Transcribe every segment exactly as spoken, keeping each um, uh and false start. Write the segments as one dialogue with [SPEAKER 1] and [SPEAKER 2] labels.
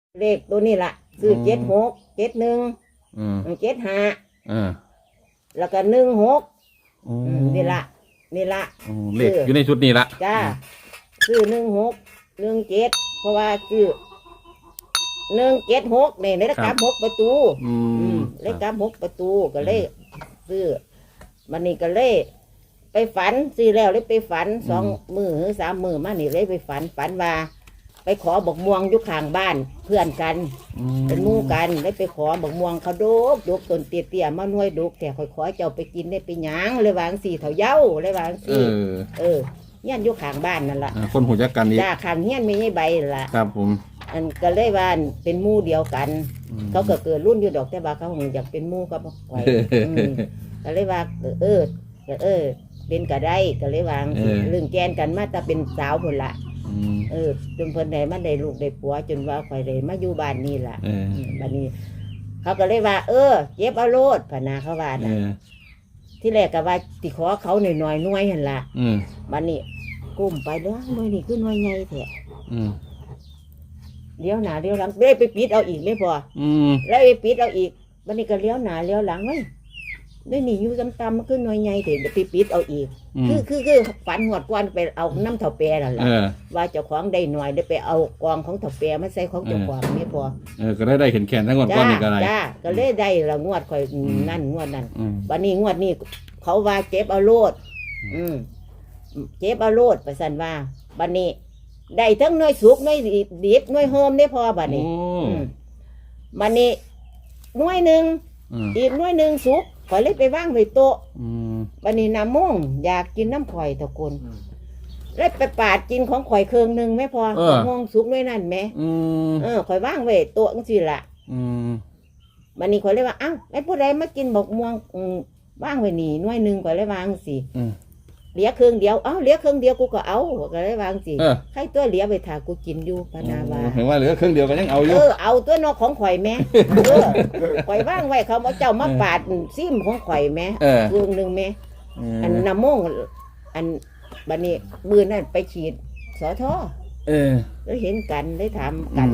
[SPEAKER 1] เลขตัวนี้ละซื้อเจ็ดหกเจ็ดหนึ่งเจ็ดห้าแล้วก็หนึ่งหกนี่ละนี่ละ
[SPEAKER 2] เลขอยู่ในชุดนี้ละ
[SPEAKER 1] จ้าซื้อหนึ่งหกหนึ่งเจ็ดเพราะว่าซื้อหนึ่งเจ็ดหกเนี่ยเลขกำหกประตูเลขกำหกประตูก็เลยซื้อมันนี่ก็เลยไปฝันซื้อแล้วเลยไปฝันสองมือหรือสามมือมานี่เลยไปฝันฝันว่าไปขอบอกม่วงอยู่ข้างบ้านเพื่อนกันเป็นมู่กันเลยไปขอบอกม่วงเขาดกดกต้นเตี้ยๆมาหน่วยดกแต่คอยขอเจ้าไปกินได้ไปหยางเลยวางสี่เถาเย้าเลยวางสี่เออเงี้ยอยู่ข้างบ้านนั่นแหละ
[SPEAKER 2] คนหูจักกันนี่
[SPEAKER 1] จ้าข้างเงี้ยไม่ใช่ใบละ
[SPEAKER 2] ครับผม
[SPEAKER 1] อันก็เลยว่าเป็นมู่เดียวกันเขาก็เกิดรุ่นอยู่ดอกแต่ว่าเขาอยากเป็นมู่ก็บอกไว้ก็เลยว่าเออเออเป็นกระได้ก็เลยวางเรื่องแกนกันมาแต่เป็นสาวคนละเออจนเพิ่นได้มาได้ลูกได้ผัวจนว่าข่อยได้มาอยู่บ้านนี่ล่ะบ้านนี้เขาก็เลยว่าเออเจ็บเอาโลดพนาเขาว่านะที่แรกก็ว่าติขอเขาหน่อยหน่อยหน่วยเห็นละบ้านนี้กุ้มไปเด้อหน่วยนี่คือหน่วยใหญ่แท้เลี้ยวหน้าเลี้ยวหลังเลยไปปิดเอาอีกไม่พอแล้วไปปิดเอาอีกบ้านนี้ก็เลี้ยวหน้าเลี้ยวหลังไว้ได้หนีอยู่ตำๆมันขึ้นน้อยใหญ่เถอะไปปิดเอาอีกคือคือคือฝันหวดกวนไปเอาน้ำเถาแปรนั่นแหละว่าเจ้าของได้หน่อยได้ไปเอากองของเถาแปรมาใส่ของเจ้าของไม่พอ
[SPEAKER 2] เออก็ได้ได้เห็นแขนทั้งหมดก้อนนี่ก็ได้
[SPEAKER 1] จ้าก็เลยได้ละงวดคอยนั่นงวดนั่นวันนี้งวดนี้เขาว่าเจ็บเอาโลดอืมเจ็บเอาโลดไปสันว่าบันนี้ได้ทั้งน้อยสุกน้อยดิบน้อยโฮมได้พอบันนี้บันนี้น้อยหนึ่งอีกน้อยหนึ่งสุกข่อยเลยไปว่างไว้โต๊ะวันนี้น้ำม่วงอยากกินน้ำข่อยตะกนเลยไปปาดกินของข่อยเครื่องหนึ่งไม่พอม่วงสุกด้วยนั่นไหมเออข่อยว่างไว้โต๊ะจังสิละวันนี้ข่อยเลยว่าอ้าวไอ้ผู้ใดมากินบอกม่วงว่างไว้หนีน้อยหนึ่งข่อยเลยวางสิเหลียเครื่องเดียวเอ้าเหลียเครื่องเดียวกูก็เอาก็เลยวางสิใครตัวเหลียไปถากูกินอยู่พนาวา
[SPEAKER 2] เห็นว่าเหลือเครื่องเดียวก็ยังเอาอยู่
[SPEAKER 1] เออเอาตัวนอกของข่อยแม่ข่อยว่างไว้เขาเอาเจ้ามาปาดซิมของข่อยแม่เครื่องหนึ่งแม่อันน้ำม่งอันบัดนี้มือนั่นไปฉีดสอท่อเออแล้วเห็นกันได้ถามกัน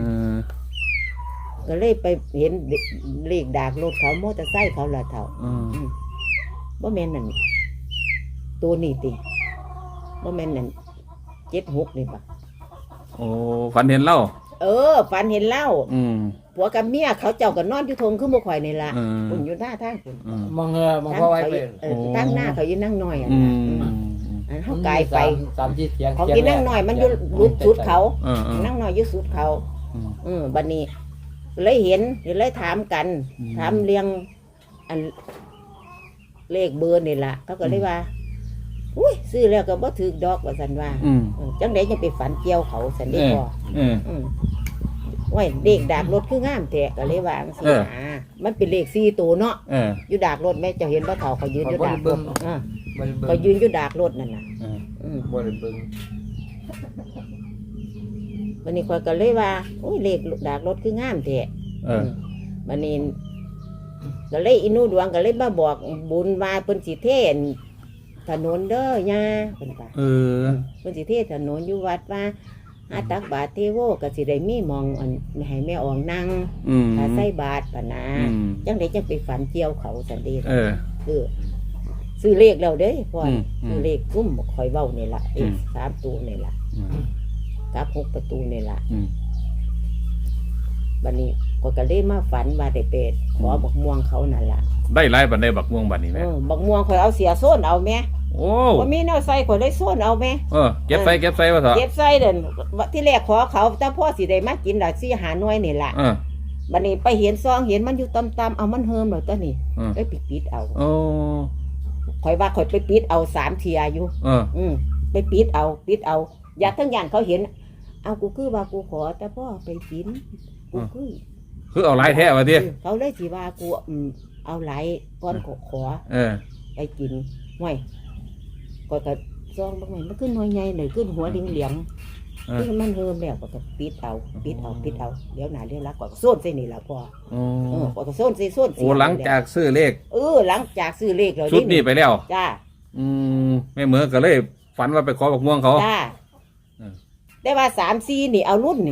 [SPEAKER 1] ก็เลยไปเห็นเลขดากรถเขามอเตอร์ไซค์เขาละเท่าบ่แม่นนั่นตัวนี้ติบ่แม่นนั่นเจ็ดหกนี่ปะ
[SPEAKER 2] โอ้ฝันเห็นเล่า
[SPEAKER 1] เออฝันเห็นเล่าผัวกับเมียเขาเจ้ากันนอนอยู่ทงขึ้นบ่ข่อยนี่ละคุณอยู่หน้าทางคุณ
[SPEAKER 3] มองเงอมองพ่อไว้เป็น
[SPEAKER 1] ตั้งหน้าเขายืนนั่งน้อยอ่ะอันเขากายไป
[SPEAKER 3] สามจีเทียง
[SPEAKER 1] เขายืนนั่งน้อยมันอยู่รุดสุดเขานั่งน้อยอยู่สุดเขาอืมบัดนี้เลยเห็นเลยถามกันถามเรียงอันเลขเบอร์นี่ละเขาก็เลยว่าอุ้ยซื้อแล้วก็บ่ถือดอกว่าสันว่าจังได๋จะไปฝันเกี่ยวเขาสันได้พอโอ้ยเด็กดากรถคืองามแท้ก็เลยวาจังซี่นะมันเป็นเลขสี่ตัวเนาะอยู่ดากรถแม่เจ้าเห็นบ่เฒ่าเขายืนอยู่ดากรถอ่าเขายืนอยู่ดากรถนั่นน่ะอืมบ่ได้เบิ่งวันนี้ข้อยก็เลยว่าโอ้ยเลขดากรถคืองามแท้เออวันนี้ก็เลยอินูดวงก็เลยมาบอกบุญว่าเพิ่นสิเทศถนนเด้อย่าเป็นป่ะเออเป็นสิเทศถนนอยู่วัดว่าอาตักบาทเทโวก็สิได้มีมองอันให้แม่ออกนั่งถ้าใส่บาทปะนะจังไดจังไปฝันเกี่ยวเขาสันเดเออคือซื้อเลขแล้วเด้พ่อซื้อเลขกุ้มคอยเว้านี่ล่ะเลขสามตัวนี่ล่ะกับหกประตูนี่ล่ะบัดนี้ก็ก็เลยมาฝันว่าได้เป็ดขอบักม่วงเขานั่นล่ะ
[SPEAKER 2] ได้ไล่บัดได้บักม่วงบัดนี้แม่
[SPEAKER 1] บักม่วงข่อยเอาเสียโซนเอาแม่โอ้บ่มีแนวใส่ข่อยได้โซนเอาแม่
[SPEAKER 2] เออเก็บใส่เก็บใส่ว่าเถอะ
[SPEAKER 1] เก็บใส่เด่นที่แรกขอเขาแต่พ่อสิได้มากินดอกสิหาหน่วยนี่ล่ะเออบัดนี้ไปเห็นซองเห็นมันอยู่ต่ำๆเอามันเฮิมแล้วตัวนี้ไปปิดๆเอาโอ้ข่อยว่าข่อยไปปิดเอาสามเทียอยู่เอออืมไปปิดเอาปิดเอาอย่าทั้งอย่างเขาเห็นเอากูคือว่ากูขอแต่พ่อไปกินกูคือ
[SPEAKER 2] คือเอาหลายแท้ว่าติ
[SPEAKER 1] เขาเลยสิว่ากูเอาหลายก้อนขอขอเออไปกินห่วยก็กระซองบางหน่อยมันขึ้นหน่วยใหญ่หน่อยขึ้นหัวเหลี่ยมๆขึ้นมันเฮิมแล้วก็ปิดเอาปิดเอาปิดเอาเดี๋ยวหนาเดี๋ยวรักก่อนก็โซนใส่นี่แหละพอเออก็โซนใส่โซน
[SPEAKER 2] โอ้หลังจากซื้อเลข
[SPEAKER 1] เออหลังจากซื้อเลขเรา
[SPEAKER 2] ชุดนี้ไปแล้ว
[SPEAKER 1] จ้า
[SPEAKER 2] อืมแม่เหมือนก็เลยฝันว่าไปขอบักม่วงเขา
[SPEAKER 1] จ้าได้ว่าสามสี่นี่เอารุ่นนี่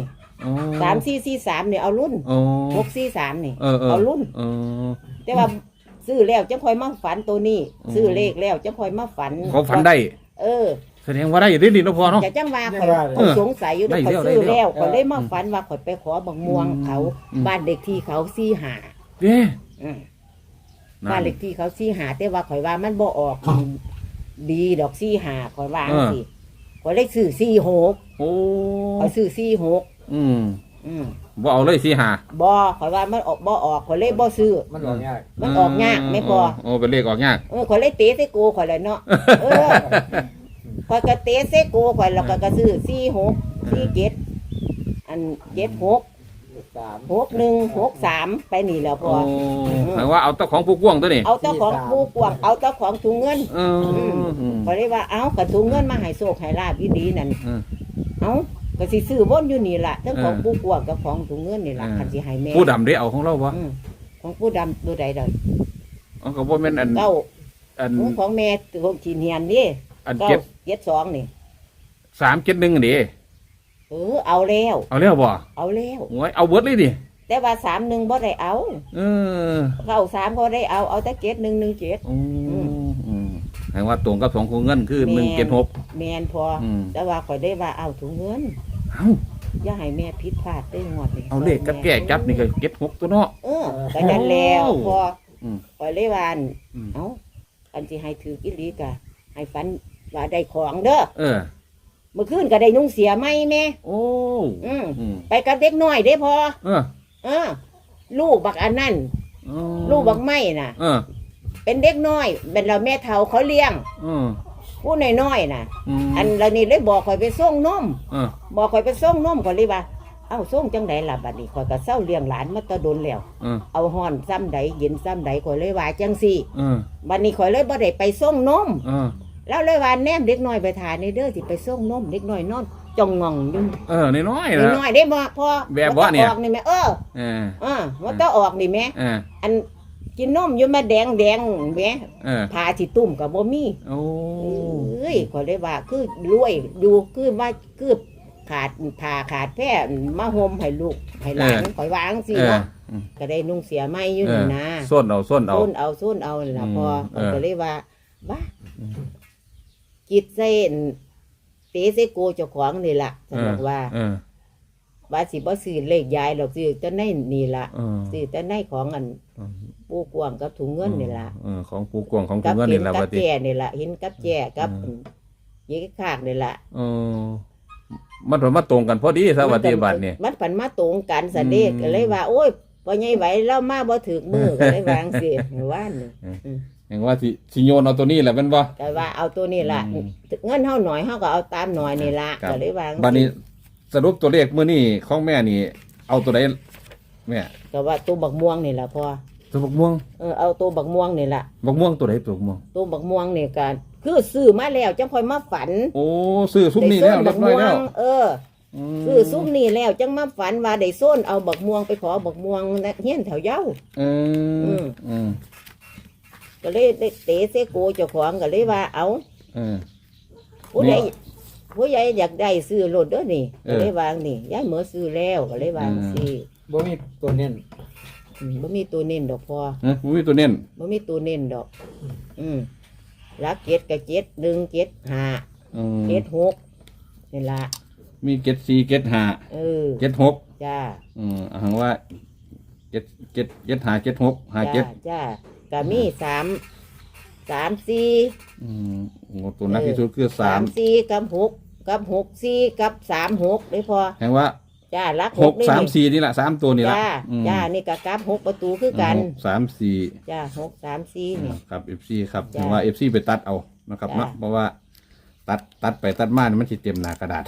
[SPEAKER 2] อ๋อ
[SPEAKER 1] สามสี่สี่สามนี่เอารุ่น
[SPEAKER 2] อ๋อ
[SPEAKER 1] หกสี่สามนี่
[SPEAKER 2] เออเออ
[SPEAKER 1] เอารุ่น
[SPEAKER 2] เออ
[SPEAKER 1] แต่ว่าซื้อแล้วจะค่อยมาฝันตัวนี้
[SPEAKER 2] อืม
[SPEAKER 1] ซื้อเลขแล้วจะค่อยมาฝัน
[SPEAKER 2] เขาฝันได้
[SPEAKER 1] เออ
[SPEAKER 2] แสดงว่าได้อยู่ดีดีเนาะพ่อเนาะ
[SPEAKER 1] จะจังว่า
[SPEAKER 3] ได้
[SPEAKER 1] ข่อย
[SPEAKER 3] ว่า
[SPEAKER 1] ข่อยสงสัยอยู่
[SPEAKER 2] ได้
[SPEAKER 1] ข่อย
[SPEAKER 2] แล้ว
[SPEAKER 1] ซื้อ
[SPEAKER 2] ได้แล้ว
[SPEAKER 1] แล้วข่อยเลยมาฝันว่าข่อยไปขอบักม่วง
[SPEAKER 2] อืม
[SPEAKER 1] เขา
[SPEAKER 2] อืม
[SPEAKER 1] บ้านเด็กที่เขาสี่หา
[SPEAKER 2] เด้
[SPEAKER 1] อืม
[SPEAKER 2] นั่
[SPEAKER 1] บ้าน
[SPEAKER 2] น
[SPEAKER 1] เด็กที่เขาสี่หาแต่ว่าข่อยว่ามันบ่ออกดีดอกสี่หาข่อยว่า
[SPEAKER 2] เออ
[SPEAKER 1] สิข่อยเลยซื้อสี่หก
[SPEAKER 2] โอ้
[SPEAKER 1] ข่อยซื้อสี่หก
[SPEAKER 2] อืม
[SPEAKER 1] อืม
[SPEAKER 2] บ่เอาเลยสิหา
[SPEAKER 1] บ่ข่อยว่ามันออกบ่ออกข่อยเลยบ่ซื้อ
[SPEAKER 3] มันออกยาก
[SPEAKER 1] มันออกยากไม่พอ
[SPEAKER 2] โอ้เป็นเลขออกยาก
[SPEAKER 1] เออข่อยเลยเตะใส่กูข่อยเลยเนาะเออข่อยก็เตะใส่กูข่อยแล้วก็ก็ซื้อสี่หกสี่เจ็ดอันเจ็ดหก
[SPEAKER 3] สาม
[SPEAKER 1] หกหนึ่งหกสามไปนี่แหล้วพ
[SPEAKER 2] โอ้
[SPEAKER 1] อ
[SPEAKER 2] หมายว่าเอาเจ้าของผู้กวางตัวนี้
[SPEAKER 1] เอาเจ้าของปูกวางเอาเจ้าของถุงเงิน
[SPEAKER 2] เอออืม
[SPEAKER 1] ข่อยเลยว่าเอากระถุงเงินมาให้โชคให้ลาบอีดีนั่น
[SPEAKER 2] เออ
[SPEAKER 1] เอาก็สิซื้อวนอยู่นี่ล่ะทั้งของ
[SPEAKER 2] เออ
[SPEAKER 1] ปูกวางกับของถุงเงินนี่ล่ะ
[SPEAKER 2] เออ
[SPEAKER 1] คันสิให้แม่
[SPEAKER 2] ผู้ดำได้เอาของเราบ่
[SPEAKER 1] อืมของผู้ดำตัวใดเด้อ
[SPEAKER 2] เอาก็บ่แม่นอัน
[SPEAKER 1] เก้า
[SPEAKER 2] อัน
[SPEAKER 1] ของแม่ของขีเนียนนี่
[SPEAKER 2] อัน
[SPEAKER 1] เก้า
[SPEAKER 2] เจ็ด
[SPEAKER 1] เจ็ดสองนี่
[SPEAKER 2] สามเจ็ดหนึ่งอันนี้
[SPEAKER 1] เออเอาแล้ว
[SPEAKER 2] เอาแล้วบ่
[SPEAKER 1] เอาแล้ว
[SPEAKER 2] โอ้ยเอาเบิดเลยดิ
[SPEAKER 1] แต่ว่าสามหนึ่งบ่ได้เอา
[SPEAKER 2] เออ
[SPEAKER 1] เก้าสามบ่ได้เอาเอาแต่เจ็ดหนึ่งหนึ่งเจ็ด
[SPEAKER 2] อืมอืมแปลว่าตรงกับสองของเงินคือ
[SPEAKER 1] แม่น
[SPEAKER 2] หนึ่งเจ็ดหก
[SPEAKER 1] แมนพออ
[SPEAKER 2] ม
[SPEAKER 1] แต่ว่าข่อยได้ว่าเอาถุงเงิน
[SPEAKER 2] เอ้า
[SPEAKER 1] อย่าให้แม่ผิดพลาดได้งวดนี่
[SPEAKER 2] เอาเลขกับแก่จับนี่ก็เจ็ดหกตัวเนาะ
[SPEAKER 1] เออก็นั่นแล้ว
[SPEAKER 2] โอ้
[SPEAKER 1] พอ
[SPEAKER 2] อืม
[SPEAKER 1] ข่อยเลยว่าอั่น
[SPEAKER 2] อืม
[SPEAKER 1] เอ้าอันสิให้ถืออีหลีกะให้ฝันว่าได้ของเด้อ
[SPEAKER 2] เออ
[SPEAKER 1] เมื่อคืนก็ได้นุ่งเสียไหมแม่
[SPEAKER 2] โอ้
[SPEAKER 1] อืม
[SPEAKER 2] อืม
[SPEAKER 1] ไปกับเด็กน้อยได้พอ
[SPEAKER 2] เออ
[SPEAKER 1] เออ ลูกบักอันนั่น
[SPEAKER 2] อ๋อ
[SPEAKER 1] ลูกบักไม่น่ะ
[SPEAKER 2] เออ
[SPEAKER 1] เป็นเด็กน้อยเป็นเราแม่เฒ่าเขาเลี้ยง
[SPEAKER 2] เออ
[SPEAKER 1] ผู้น้อยๆน่ะ
[SPEAKER 2] ม
[SPEAKER 1] อันเรานี่เลยบอกข่อยไปส่งนม
[SPEAKER 2] เออ
[SPEAKER 1] บอกข่อยไปส่งนมข่อยเลยว่า เอ้าส่งจังไดล่ะบัดนี้ข่อยก็เศร้าเลี้ยงหลานมาแตะดนแล้ว
[SPEAKER 2] เออ
[SPEAKER 1] เอาฮ้อนซ้ำใดเย็นซ้ำใดข่อยเลยว่าจังซี่
[SPEAKER 2] เออ
[SPEAKER 1] บัดนี้ข่อยเลยบ่ได้ไปส่งนม
[SPEAKER 2] เออ
[SPEAKER 1] แล้วเลยว่าแนมเด็กน้อยไปทานในเด้อสิไปส่งนมเด็กน้อยนอนจ้องงองอยู่
[SPEAKER 2] เออน้อยๆ
[SPEAKER 1] เด็ก
[SPEAKER 2] นะ
[SPEAKER 1] น้อยได้บ่พอ
[SPEAKER 2] แบบว่าเนี่ย
[SPEAKER 1] ออกนี่แม่เออ
[SPEAKER 2] เออ
[SPEAKER 1] อ่าว่าต้องออกนี่แม่
[SPEAKER 2] เออ
[SPEAKER 1] อันกินนมอยู่มาแดงแดงแม่
[SPEAKER 2] เออ
[SPEAKER 1] พาสิตุ่มก็บ่มี
[SPEAKER 2] โอ้
[SPEAKER 1] เอ้ยข่อยเลยว่าคือรวยอยู่คือว่าคือขาดผ่าขาดแพร่มาห่มให้ลูกให้หลานข่อยวาจั่งสิ
[SPEAKER 2] เออ
[SPEAKER 1] เนาะ
[SPEAKER 2] อืม
[SPEAKER 1] ก็ได้นุ่งเสียไหมอยู่
[SPEAKER 2] เอ
[SPEAKER 1] นี่
[SPEAKER 2] อ
[SPEAKER 1] นะ
[SPEAKER 2] ส้นเอาส้นเอา
[SPEAKER 1] ส้นเอาส้นเอานี่ล่ะ
[SPEAKER 2] อืม
[SPEAKER 1] พอ
[SPEAKER 2] เออ
[SPEAKER 1] ก็เลยว่าว่าจิตเส้นเตะใส่โกเจ้าของนี่ล่ะฉันบอกว่า
[SPEAKER 2] เออ
[SPEAKER 1] ว่าสิบ่ซื้อเลขยายหรอกซื้อแต่ในนี่ล่ะ
[SPEAKER 2] เออ
[SPEAKER 1] ซื้อแต่ในของอันปูกวางกับถุงเงินนี่ล่ะ
[SPEAKER 2] เออของปูกวางของ
[SPEAKER 1] กั
[SPEAKER 2] ปูเงิน
[SPEAKER 1] เห็
[SPEAKER 2] นี่
[SPEAKER 1] น
[SPEAKER 2] แหละ
[SPEAKER 1] กั
[SPEAKER 2] ว่า
[SPEAKER 1] บ
[SPEAKER 2] ติ
[SPEAKER 1] แก่นี่ล่ะเห็นกับแก่กับ
[SPEAKER 2] อืม
[SPEAKER 1] ยี่กขากนี่ล่ะ
[SPEAKER 2] เออมันถมาตรงกันพอดีสวัสดีบัตรนี่
[SPEAKER 1] มันผันมาตรงกันสะเด็ก
[SPEAKER 2] อืม
[SPEAKER 1] ก็เลยว่า โอ้ยพอใหญ่ไหวแล้วมาบ่ถึกมือก็เลยวาจั่งสิว่านนี่
[SPEAKER 2] เห็นว่าสิสิโยนเอาตัวนี้แหละเป็นบ่
[SPEAKER 1] ก็ว่าเอาตัวนี้ล่ะ
[SPEAKER 2] อืม
[SPEAKER 1] เงินเฮาหน่อยเฮาก็เอาตามหน่อยนี่ล่ะ
[SPEAKER 2] ครับ
[SPEAKER 1] ก็เลยวาจั่ง
[SPEAKER 2] บัดนี้
[SPEAKER 1] สิ
[SPEAKER 2] สรุปตัวเลขมื้อนี้ของแม่นี่ เอาตัวใดแม่
[SPEAKER 1] ก็ว่าตัวบักม่วงนี่ล่ะพอ
[SPEAKER 2] ตัวบักม่วง
[SPEAKER 1] เออเอาตัวบักม่วงนี่ล่ะ
[SPEAKER 2] บักม่วงตัวใดตัวบักม่วง
[SPEAKER 1] ตัวบักม่วงนี่ก็คือซื้อมาแล้วจังค่อยมาฝัน
[SPEAKER 2] โอ้ซื้อซุ้มนี้แล้ว
[SPEAKER 1] ได้
[SPEAKER 2] เรียบร้อยแล้ว
[SPEAKER 1] เออ
[SPEAKER 2] ม
[SPEAKER 1] ซื้อซุ้มนี่แล้วจังมาฝันว่าได้ส้นเอาบักม่วงไปขอบักม่วงนะเฮียนแถวเย้า
[SPEAKER 2] เออ
[SPEAKER 1] อืม
[SPEAKER 2] อืม
[SPEAKER 1] ก็เลยได้เตะเสโกเจ้าของก็เลยว่าเอา
[SPEAKER 2] เออ
[SPEAKER 1] ผู้ใหญ่
[SPEAKER 2] นี่
[SPEAKER 1] ผู้ใหญ่อยากได้ซื้อรถเด้อนี่
[SPEAKER 2] เอ
[SPEAKER 1] ก็
[SPEAKER 2] อ
[SPEAKER 1] เลยวางนี่ยายเหมือซื้อแล้วก็เลยวาง
[SPEAKER 2] อืม
[SPEAKER 1] สิ
[SPEAKER 3] บ่มีตัวเน้น
[SPEAKER 1] อืมบ่มีตัวเน้นดอกพอ
[SPEAKER 2] เอ้ยมีตัวเน้น
[SPEAKER 1] บ่มีตัวเน้นดอก อืมรักเจ็ดกับเจ็ดหนึ่งเจ็ดห้า
[SPEAKER 2] อืม
[SPEAKER 1] เจ็ดหกนี่ละ
[SPEAKER 2] มีเจ็ดสี่เจ็ดห้า
[SPEAKER 1] เออ
[SPEAKER 2] เจ็ดหก
[SPEAKER 1] จ้า
[SPEAKER 2] อืมอ่าว่าเจ็ดเจ็ดเจ็ดห้าเจ็ดหกห้า
[SPEAKER 1] จ้า
[SPEAKER 2] เจ็ด
[SPEAKER 1] จ้าก็มีสามสามสี่
[SPEAKER 2] อืมโอ้ตัวนักที่สุดคือสาม
[SPEAKER 1] สี่กับหกกับหกสี่กับสามหกได้พอ
[SPEAKER 2] แห่งว่า
[SPEAKER 1] จ้ารัก
[SPEAKER 2] หก
[SPEAKER 1] นี่
[SPEAKER 2] สาม
[SPEAKER 1] นี่
[SPEAKER 2] สี่นี่แหละสามตัวนี่ละ
[SPEAKER 1] จ้า
[SPEAKER 2] อืม
[SPEAKER 1] จ้านี่ก็กับหกประตูคือกัน
[SPEAKER 2] หกสามสี่
[SPEAKER 1] จ้าหกสามสี่นี่
[SPEAKER 2] ครับเอฟซีครับ
[SPEAKER 1] จ้ะ
[SPEAKER 2] ถึงว่าเอฟซีไปตัดเอานะครับ
[SPEAKER 1] จ้ะ
[SPEAKER 2] เนาะเพราะว่า ตัดตัดไปตัดมานี่มันสิเต็มหน้ากระดาษ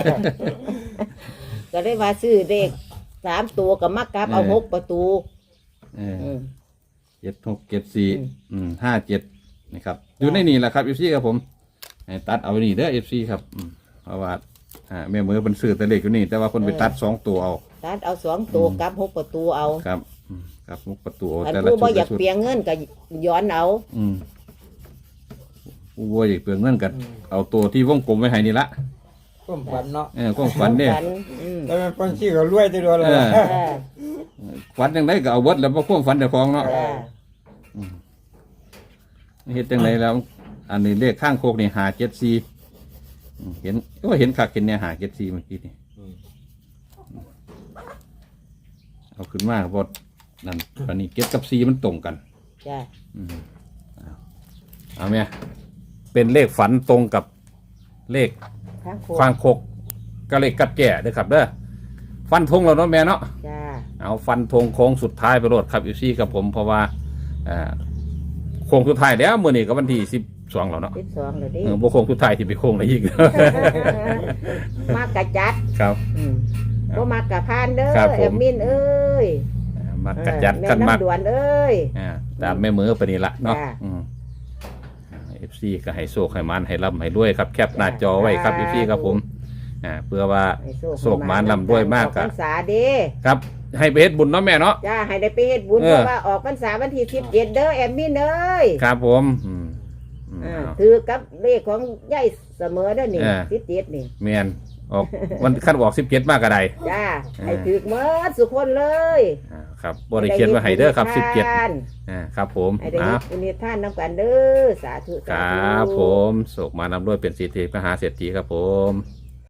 [SPEAKER 1] ก็ได้ว่าซื้อเด็กสามตัวกับมักกับเอา
[SPEAKER 2] เออ
[SPEAKER 1] หกประตู
[SPEAKER 2] เออ
[SPEAKER 1] อืม
[SPEAKER 2] เจ็ดหกเจ็ดสี่
[SPEAKER 1] อืม
[SPEAKER 2] อืมห้าเจ็ดนะครับอยู่ในนี่แหละครับเอฟซีครับผมให้ตัดเอาไว้นี่เด้อเอฟซีครับอืมเพราะว่าอ่าแม่มือเป็นซื้อแต่เล็กอยู่นี่ แต่ว่าคนไปตัดสองตัวเอา
[SPEAKER 1] ตัดเอาสองตัว
[SPEAKER 2] อืม
[SPEAKER 1] กับหกประตูเอา
[SPEAKER 2] ครับอืมครับมุกประตูเอา
[SPEAKER 1] อัน
[SPEAKER 2] แต่ละ
[SPEAKER 1] ผู้
[SPEAKER 2] ชุ
[SPEAKER 1] บ่
[SPEAKER 2] ด
[SPEAKER 1] อยา
[SPEAKER 2] ละ
[SPEAKER 1] ก
[SPEAKER 2] ชุด
[SPEAKER 1] เปลียงเงินก็ย้อนเอา
[SPEAKER 2] อืมผู้บ่อยากเปลืองเงินกันเอาตัวที่วงกลมไว้ให้นี่ละ
[SPEAKER 3] ความฝันเนาะ
[SPEAKER 2] เออความฝันเนี่ย
[SPEAKER 1] ฝันอืม
[SPEAKER 3] แล้วมันคนชี้ก็รวยตัวเดียวเลย
[SPEAKER 2] เออ
[SPEAKER 1] เออ
[SPEAKER 2] ฝันจังไดก็เอาเบิดแล้วบ่ความฝันเจ้าของเนาะ
[SPEAKER 1] จ้า
[SPEAKER 2] เฮ็ดจังไดแล้ว อันนี้เลขข้างโคกนี่ห้าเจ็ดสี่อืมเห็นก็เห็นคักเห็นเนี่ยห้าเจ็ดสี่เมื่อกี้นี่เอาขึ้นมาบดนั่นอันนี้เก็ดกับสี่มันตรงกัน
[SPEAKER 1] จ้า
[SPEAKER 2] อืมเอาเอาเมียเป็นเลขฝันตรงกับเลข
[SPEAKER 1] ข้างโค
[SPEAKER 2] ควางโคกก็เลขกัดแก่เด้อครับเด้อฟันธงแล้วเนาะแม่เนาะ
[SPEAKER 1] จ้า
[SPEAKER 2] เอาฟันธงโค้งสุดท้ายไปโลดครับอยู่ซี่กับผมเพราะว่าอ่าโค้งสุดท้ายแล้วมื้อนี้ก็วันที่สิบสองแล้วเนาะ
[SPEAKER 1] สิบสองเลยดิ
[SPEAKER 2] เออบ่โค้งสุดท้ายที่ไปโค้งอะไรอีก
[SPEAKER 1] มากกะจัด
[SPEAKER 2] ครับ
[SPEAKER 1] อืมบ่มากกะพานเด้อ
[SPEAKER 2] ครับผม
[SPEAKER 1] แอดมินเอ้ย
[SPEAKER 2] อ่ามักกระจัดกัน
[SPEAKER 1] แม่
[SPEAKER 2] มัก
[SPEAKER 1] น้ำด่วนเอ้ย
[SPEAKER 2] อ่าตามแม่มือไปนี่ละเนาะ
[SPEAKER 1] จ้า
[SPEAKER 2] อืมเอฟซีก็ให้โชคให้มันให้ร่ำให้รวยครับแคปหน้าจอไว้ครับเอฟซีครับผมอ่าเพื่อว่า
[SPEAKER 1] ให้
[SPEAKER 2] โชคมานร่ำรวยมาก
[SPEAKER 1] ออ
[SPEAKER 2] ค
[SPEAKER 1] พ
[SPEAKER 2] รับ
[SPEAKER 1] รรษาเด้
[SPEAKER 2] ครับ ให้ไปเฮ็ดบุญเนาะแม่เนาะ
[SPEAKER 1] จ้าให้ได้ไปเฮ็ดบุญ
[SPEAKER 2] เออ
[SPEAKER 1] เพราะว่าออกพรรษาวันที่สิบเจ็ดเด้อแอดมินเอ้ย
[SPEAKER 2] ครับผมอืมอืม
[SPEAKER 1] อ่า
[SPEAKER 2] เอา
[SPEAKER 1] ถือกับเลขของยายเสมอเด้อนี่
[SPEAKER 2] เออ
[SPEAKER 1] สิบเจ็ดนี่
[SPEAKER 2] แม่นออกวันขั้นออกสิบเจ็ดมากกระได
[SPEAKER 1] จ้า
[SPEAKER 2] เออ
[SPEAKER 1] ให้ถือหมดสุคนเลย
[SPEAKER 2] อ่าครับบริเขียนไว้ให้เด้อครับสิบเจ็ด
[SPEAKER 1] ให้ไ
[SPEAKER 2] อ่าครับผม
[SPEAKER 1] ให้ได้
[SPEAKER 2] นะ
[SPEAKER 1] บุญท่านนำกันเด้อสาธุ
[SPEAKER 2] ค
[SPEAKER 1] สา
[SPEAKER 2] รั
[SPEAKER 1] ธุ
[SPEAKER 2] บผมโศกมานำด้วยเป็นสิทธิมหาเศรษฐีครับผม